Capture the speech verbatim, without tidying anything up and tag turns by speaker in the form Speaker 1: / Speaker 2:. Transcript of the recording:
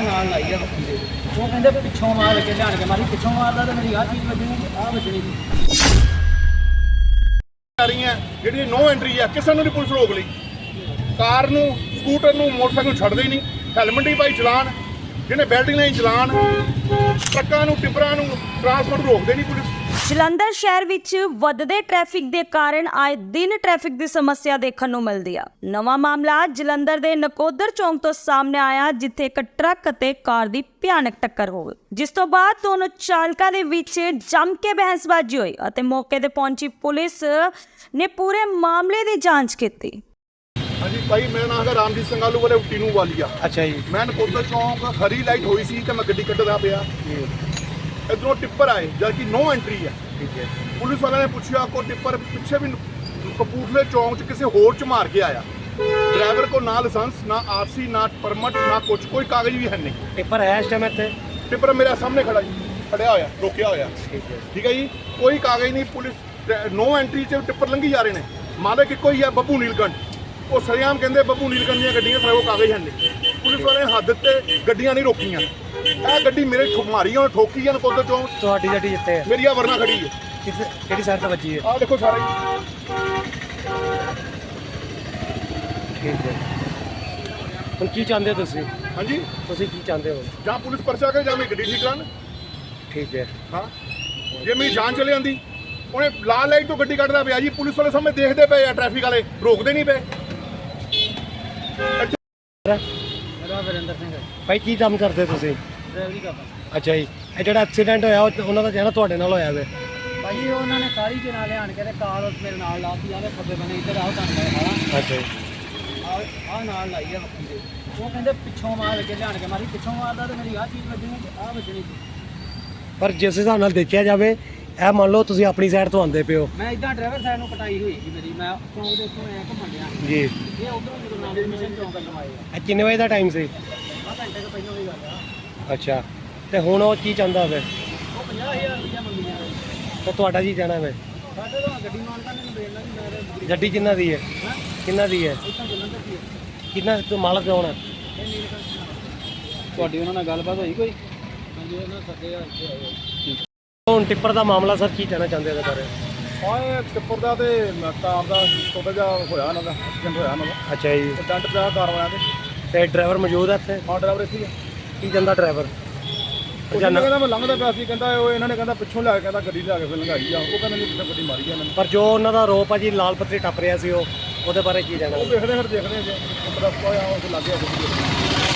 Speaker 1: ਨਾਲ ਲਾਈ ਆ ਬੱਕੀ ਦੇ ਉਹ ਕਹਿੰਦੇ ਪਿੱਛੋਂ ਮਾਰ ਕੇ ਲਿਆਣ ਕੇ ਮਾਰੀ ਪਿੱਛੋਂ ਮਾਰਦਾ ਤੇ ਮੇਰੀ ਆਹ ਚੀਜ਼ ਵੱਜਣੀ ਆਹ ਵੱਜਣੀ
Speaker 2: ਆ ਰਹੀਆਂ ਜਿਹੜੀ ਨੋ ਐਂਟਰੀ ਆ ਕਿਸੇ ਨੂੰ ਨਹੀਂ ਪੁਲਿਸ ਰੋਕ ਲਈ ਕਾਰ ਨੂੰ ਸਕੂਟਰ ਨੂੰ ਮੋਟਰਸਾਈਕਲ ਨੂੰ ਛੱਡਦੇ ਹੀ ਨਹੀਂ ਹੈਲਮਟ ਹੀ ਪਾਈ ਚਲਾਨ ਜਿਹਨੇ ਬੈਲਟਿੰਗ ਨਹੀਂ ਚਲਾਨ ਟਰੱਕਾਂ ਨੂੰ ਟਿੱਪਰਾਂ ਨੂੰ ਟਰਾਂਸਪੋਰਟ ਰੋਕਦੇ ਨਹੀਂ ਪੁਲਿਸ।
Speaker 3: ਜਲੰਧਰ ਸ਼ਹਿਰ ਵਿੱਚ ਵੱਧਦੇ ਟ੍ਰੈਫਿਕ ਦੇ ਕਾਰਨ ਆਏ ਦਿਨ ਟ੍ਰੈਫਿਕ ਦੀ ਸਮੱਸਿਆ ਦੇਖਣ ਨੂੰ ਮਿਲਦੀ ਆ। ਨਵਾਂ ਮਾਮਲਾ ਜਲੰਧਰ ਦੇ ਨਕੋਦਰ ਚੌਂਕ ਤੋਂ ਸਾਹਮਣੇ ਆਇਆ ਜਿੱਥੇ ਇੱਕ ਟਰੱਕ ਅਤੇ ਕਾਰ ਦੀ ਭਿਆਨਕ ਟੱਕਰ ਹੋ ਗਈ ਜਿਸ ਤੋਂ ਬਾਅਦ ਦੋਨੋਂ ਚਾਲਕਾਂ ਦੇ ਵਿੱਚ ਜੰਮ ਕੇ ਬਹਿਸਬਾਜ਼ੀ ਹੋਈ ਅਤੇ ਮੌਕੇ ਤੇ ਪਹੁੰਚੀ ਪੁਲਿਸ ਨੇ ਪੂਰੇ ਮਾਮਲੇ ਦੀ ਜਾਂਚ ਕੀਤੀ।
Speaker 2: ਹਾਂਜੀ ਭਾਈ ਮੇਰਾ ਨਾਮ ਹੈਗਾ ਰਾਮਜੀਤ ਸਿੰਘ ਆਲੂ ਵਾਲੇ ਟੀਨੂ ਵਾਲੀਆ।
Speaker 4: ਅੱਛਾ ਜੀ।
Speaker 2: ਮੈਂ ਨਕੋਦਰ ਚੌਂਕ ਹਰੀ ਲਾਈਟ ਹੋਈ ਸੀ ਤੇ ਮੈਂ ਗੱਡੀ ਕੱਢਦਾ ਪਿਆ ਇੱਧਰੋਂ ਟਿੱਪਰ ਆਏ ਜਦ ਕਿ ਨੋ ਐਂਟਰੀ ਹੈ।
Speaker 4: ਠੀਕ ਹੈ।
Speaker 2: ਪੁਲਿਸ ਵਾਲਿਆਂ ਨੇ ਪੁੱਛਿਆ ਕੋ ਟਿੱਪਰ ਪਿੱਛੇ ਵੀ ਕਪੂਰਥਲੇ ਚੌਂਕ 'ਚ ਕਿਸੇ ਹੋਰ 'ਚ ਮਾਰ ਕੇ ਆਇਆ ਡਰਾਈਵਰ ਕੋ ਨਾ ਲਾਇਸੈਂਸ ਨਾ ਆਰਸੀ ਨਾ ਪਰਮਿਟ ਨਾ ਕੁਛ ਕੋਈ ਕਾਗਜ਼ ਵੀ ਹੈ ਨਹੀਂ।
Speaker 4: ਪੇਪਰ ਹੈ ਇਸ ਟਾਈਮ ਇੱਥੇ
Speaker 2: ਟਿੱਪਰ ਮੇਰੇ ਸਾਹਮਣੇ ਖੜਾ ਜੀ ਖੜਿਆ ਹੋਇਆ ਰੋਕਿਆ ਹੋਇਆ।
Speaker 4: ਠੀਕ ਹੈ।
Speaker 2: ਠੀਕ ਹੈ ਜੀ ਕੋਈ ਕਾਗਜ਼ ਨਹੀਂ ਪੁਲਿਸ ਨੋ ਐਂਟਰੀ 'ਚ ਟਿੱਪਰ ਲੰਘੀ ਜਾ ਰਹੇ ਨੇ ਮਾਲਕ ਇੱਕੋ ਹੀ ਹੈ ਬੱਬੂ ਨੀਲਕੰਠ ਉਹ ਸਰਿਆਮ ਕਹਿੰਦੇ ਬੱਬੂ ਨੀਲਕੰਠ ਦੀਆਂ ਗੱਡੀਆਂ ਸਾਰੇ ਉਹ ਕਾਗਜ਼ ਹਨ ਨਹੀਂ ਪੁਲਿਸ ਵਾਲੇ ਹੱਦ ਤੇ ਗੱਡੀਆਂ ਨਹੀਂ ਰੋਕੀਆਂ ਇਹ ਗੱਡੀ ਮੇਰੇ ਮਾਰੀ ਉਹਨੇ ਠੋਕੀ ਆ ਨਕੋਦਰ ਚੌਂਕ
Speaker 4: ਤੁਹਾਡੀ ਗੱਡੀ ਜਿੱਥੇ ਹੈ
Speaker 2: ਮੇਰੀ ਆ ਵਰਨਾ ਖੜੀ ਹੈ
Speaker 4: ਕਿਸ ਕਿਹੜੀ ਸਾਈਡ ਤੇ ਵੱਜੀ ਹੈ?
Speaker 2: ਆਹ ਦੇਖੋ ਸਾਰਾ ਹੀ
Speaker 4: ਠੀਕ ਹੈ। ਹੁਣ ਕੀ ਚਾਹੁੰਦੇ ਹੋ ਤੁਸੀਂ
Speaker 2: ਹਾਂਜੀ
Speaker 4: ਤੁਸੀਂ ਕੀ ਚਾਹੁੰਦੇ ਹੋ?
Speaker 2: ਜਾਂ ਪੁਲਿਸ ਪਰਚਾ ਕਰੇ ਜਾਂ ਮੇਰੀ ਗੱਡੀ ਠੀਕ ਕਰਾਉਣ।
Speaker 4: ਠੀਕ ਹੈ।
Speaker 2: ਹਾਂ ਜੇ ਮੇਰੀ ਜਾਨ ਚਲੇ ਜਾਂਦੀ ਉਹਨੇ ਲਾਲ ਲਾਈਟ ਤੋਂ ਗੱਡੀ ਕੱਢਦਾ ਪਿਆ ਜੀ ਪੁਲਿਸ ਵਾਲੇ ਸਾਹਮਣੇ ਦੇਖਦੇ ਪਏ ਆ ਟ੍ਰੈਫਿਕ ਵਾਲੇ ਰੋਕਦੇ ਨਹੀਂ ਪਏ।
Speaker 1: ਮੇਰਾ ਵਰਿੰਦਰ ਸਿੰਘ ਹੈ
Speaker 4: ਭਾਈ ਕੀ ਕੰਮ ਕਰਦੇ ਤੁਸੀਂ?
Speaker 1: ਡਰਾਈਵਰੀ ਕਰਦਾ
Speaker 4: ਅੱਛਾ ਜੀ। ਇਹ ਜਿਹੜਾ ਐਕਸੀਡੈਂਟ ਹੋਇਆ ਉਹ ਉਹਨਾਂ ਦਾ ਜਿਹੜਾ ਤੁਹਾਡੇ ਨਾਲ ਹੋਇਆ ਵੇ
Speaker 1: ਭਾਈ ਉਹਨਾਂ ਨੇ ਕਾਲੀ ਦੇ ਨਾਲ ਲਿਆਣ ਕੇ ਤੇ ਕਾਰ ਮੇਰੇ ਨਾਲ ਲਾਤੀ ਆਵੇ ਖੱਬੇ ਬੰਨੇ ਇੱਧਰ ਆਓ ਤੁਹਾਨੂੰ ਮੈਂ ਖਾਣਾ
Speaker 4: ਅੱਛਾ ਜੀ।
Speaker 1: ਆਹ ਨਾਲ ਲਾਈ ਆ ਬੱਕੀ ਦੇ ਉਹ ਕਹਿੰਦੇ ਪਿੱਛੋਂ ਮਾਰ ਕੇ ਲਿਆਣ ਕੇ ਮਾਰੀ ਪਿੱਛੋਂ ਮਾਰਦਾ ਤੇ ਮੇਰੀ ਆਹ ਚੀਜ਼ ਵੱਜਣੀ ਆਹ ਵੱਜਣੀ
Speaker 4: ਪਰ ਜਿਸ ਹਿਸਾਬ ਨਾਲ ਦੇਖਿਆ ਜਾਵੇ ਇਹ ਮੰਨ ਲਓ ਤੁਸੀਂ ਆਪਣੀ ਸਾਈਡ ਤੋਂ ਆਉਂਦੇ ਪਿਓ
Speaker 1: ਮੈਂ ਇਦਾਂ ਡਰਾਈਵਰ ਸਾਈਡ ਨੂੰ ਕਟਾਈ ਹੋਈ ਸੀ ਮੇਰੀ ਮੈਂ ਚੌਂਕ ਦੇ ਉੱਤੋਂ ਐ ਘੁੰਮਣ ਡਿਆ
Speaker 4: ਜੀ।
Speaker 1: ਇਹ ਉਧਰੋਂ ਜਦੋਂ ਨਾਲ ਮਿਸ਼ਨ ਚੌਂਕ ਵੱਲੋਂ ਆਏ ਆ
Speaker 4: ਇਹ ਕਿੰਨੇ ਵਜੇ ਦਾ ਟਾਈਮ ਸੀ?
Speaker 1: ਆਹ ਘੰਟੇ ਤੋਂ ਪਹਿਲਾਂ ਦੀ ਗੱਲ ਆ
Speaker 4: ਅੱਛਾ। ਤੇ ਹੁਣ ਉਹ ਕੀ ਚਾਹੁੰਦਾ ਵੇ?
Speaker 1: ਉਹ ਪੰਜਾਹ ਹਜ਼ਾਰ ਰੁਪਇਆ ਮੰਗੀਆਂ
Speaker 4: ਤੇ ਤੁਹਾਡਾ ਕੀ ਕਹਿਣਾ ਵੇ?
Speaker 1: ਸਾਡੇ ਤੋਂ ਗੱਡੀ ਮਾਨ ਕਰਨੇ ਨੂੰ ਦੇਣਾ ਨਹੀਂ ਮੈਂ
Speaker 4: ਗੱਡੀ ਕਿੰਨਾ ਦੀ ਹੈ?
Speaker 1: ਹਾਂ
Speaker 4: ਕਿੰਨਾ ਦੀ ਹੈ?
Speaker 1: ਇੱਥੋਂ ਜਲੰਧਰ ਦੀ
Speaker 4: ਕਿੰਨਾ ਤੂੰ ਮਾਲਕ ਕੌਣ ਹੈ?
Speaker 1: ਇਹ ਨੀਲਕੰਠ ਤੁਹਾਡੀ ਉਹਨਾਂ ਨਾਲ ਗੱਲਬਾਤ ਹੋਈ ਕੋਈ? ਹਾਂਜੀ ਉਹਨਾਂ ਸੱਦੇ ਆ ਇੱਥੇ ਆਏ
Speaker 4: ਹੁਣ ਟਿੱਪਰ ਦਾ ਮਾਮਲਾ ਸਰ ਕੀ ਕਹਿਣਾ ਚਾਹੁੰਦੇ ਇਹਦੇ ਬਾਰੇ?
Speaker 2: ਹਾਂ ਟਿੱਪਰ ਦਾ ਤੇ ਕਾਰ ਦਾ ਛੋਟਾ ਜਿਹਾ ਹੋਇਆ ਉਹਨਾਂ ਦਾ ਐਕਸੀਡੈਂਟ ਹੋਇਆ ਉਹਨਾਂ ਦਾ
Speaker 4: ਅੱਛਾ ਜੀ।
Speaker 2: ਡੰਟ ਪਿਆ ਕਾਰ ਵਾਲਿਆਂ ਦੇ
Speaker 4: ਤੇ ਡਰਾਈਵਰ ਮੌਜੂਦ ਹੈ ਇੱਥੇ?
Speaker 2: ਹਾਂ ਡਰਾਈਵਰ ਇੱਥੇ ਹੀ ਆ
Speaker 4: ਕੀ ਕਹਿੰਦਾ ਡਰਾਈਵਰ?
Speaker 2: ਉਹ ਕਹਿੰਦਾ ਮੈਂ ਲੰਘਦਾ ਪਿਆ ਸੀ ਕਹਿੰਦਾ ਉਹ ਇਹਨਾਂ ਨੇ ਕਹਿੰਦਾ ਪਿੱਛੋਂ ਲਿਆ ਕੇ ਕਹਿੰਦਾ ਗੱਡੀ ਲਿਆ ਕੇ ਫਿਰ ਲੰਘਾਈ ਆ ਉਹ ਕਹਿੰਦਾ ਨਹੀਂ ਪਿੱਛੇ ਗੱਡੀ ਮਾਰੀ ਆ ਇਹਨਾਂ ਨੇ।
Speaker 4: ਪਰ ਜੋ ਉਹਨਾਂ ਦਾ ਆਰੋਪ ਆ ਜੀ ਲਾਲ ਪੱਤਰੀ ਟੱਪ ਰਿਹਾ ਸੀ ਉਹ ਉਹਦੇ ਬਾਰੇ ਕੀ ਕਹਿਣਾ?
Speaker 2: ਉਹ ਦੇਖਦੇ ਫਿਰ ਦੇਖਦੇ ਜੇ ਪਤਾ ਕੋਈ ਆ ਉਹ ਲੱਗ ਗਿਆ ਗੱਡੀ